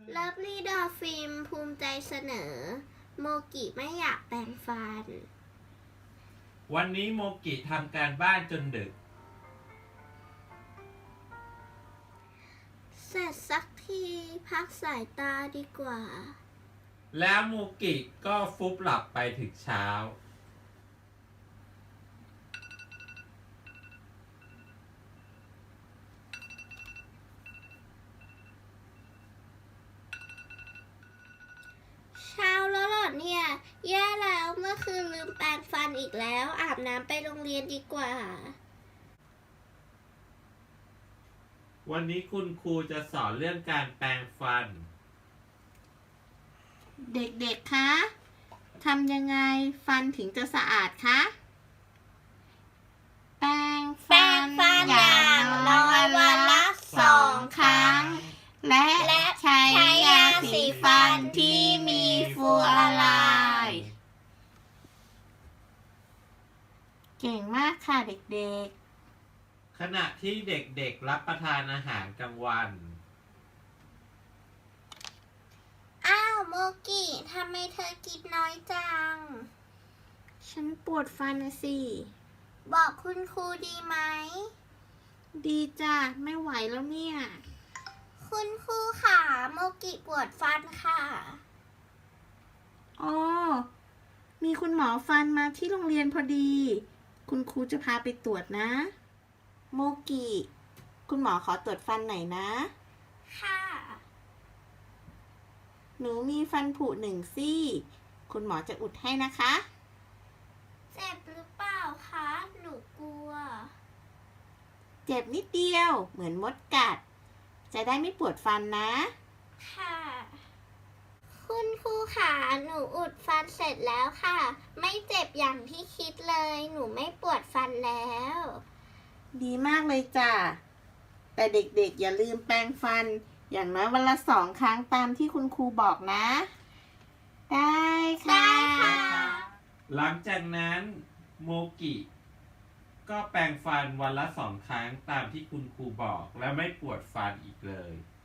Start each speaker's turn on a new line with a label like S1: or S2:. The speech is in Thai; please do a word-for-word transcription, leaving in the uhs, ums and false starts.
S1: เลิฟลี่ดอลฟิล์มภูมิใจเสนอโมกิไม่อยากแปรงฟัน
S2: วันนี้โมกิทำการบ้านจนดึก
S1: เสร็จสักทีพักสายตาดีกว่า
S2: แล้วโมกิก็ฟุบหลับไปถึงเช้า
S1: เช้าแล้วเหรอเนี่ยแย่แล้วเมื่อคืนลืมแปรงฟันอีกแล้วอาบน้ำไปโรงเรียนดีกว่า
S2: วันนี้คุณครูจะสอนเรื่องการแปรงฟัน
S3: เด็กๆ คะทำยังไงฟันถึงจะสะอาดคะ แปรงฟันอย่างน้อยวันละสองครั้ง และใช้ยาสีฟันที่มีฟลูออไรด์เก่งมากค่ะเด็กๆ
S2: ขณะที่เด็กๆรับประทานอาหารกลางวัน
S1: อ้าวโมกิทำไมเธอกินน้อยจัง
S3: ฉันปวดฟันนะสิ
S1: บอกคุณครูดีไหม
S3: ดีจ้ะไม่ไหวแล้วเนี่ย
S1: คุณครูค่ะโมกิปวดฟันค่ะ
S3: อ๋อมีคุณหมอฟันมาที่โรงเรียนพอดี คุณครูจะพาไปตรวจนะ โมกิคุณหมอขอตรวจฟันหน่อยนะ
S1: ค่ะ
S3: หนูมีฟันผุหนึ่งซี่คุณหมอจะอุดให้นะคะ
S1: เจ็บหรือเปล่าคะหนูกลัว
S3: เจ็บนิดเดียวเหมือนมดกัดจะได้ไม่ปวดฟันนะ
S1: ค่ะคุณครูค่ะหนูอุดฟันเสร็จแล้วค่ะไม่เจ็บอย่างที่คิดเลยหนูไม่ปวดฟันแล้ว
S3: ดีมากเลยจ้ะแต่เด็กๆอย่าลืมแปรงฟันอย่างน้อยวันละสองครั้งตามที่คุณครูบอกนะได้ค่ะ
S1: ได้ค่ะ
S2: หลังจากนั้นโมกิก็แปรงฟันวันละสองครั้งตามที่คุณครูบอกและไม่ปวดฟันอีกเลย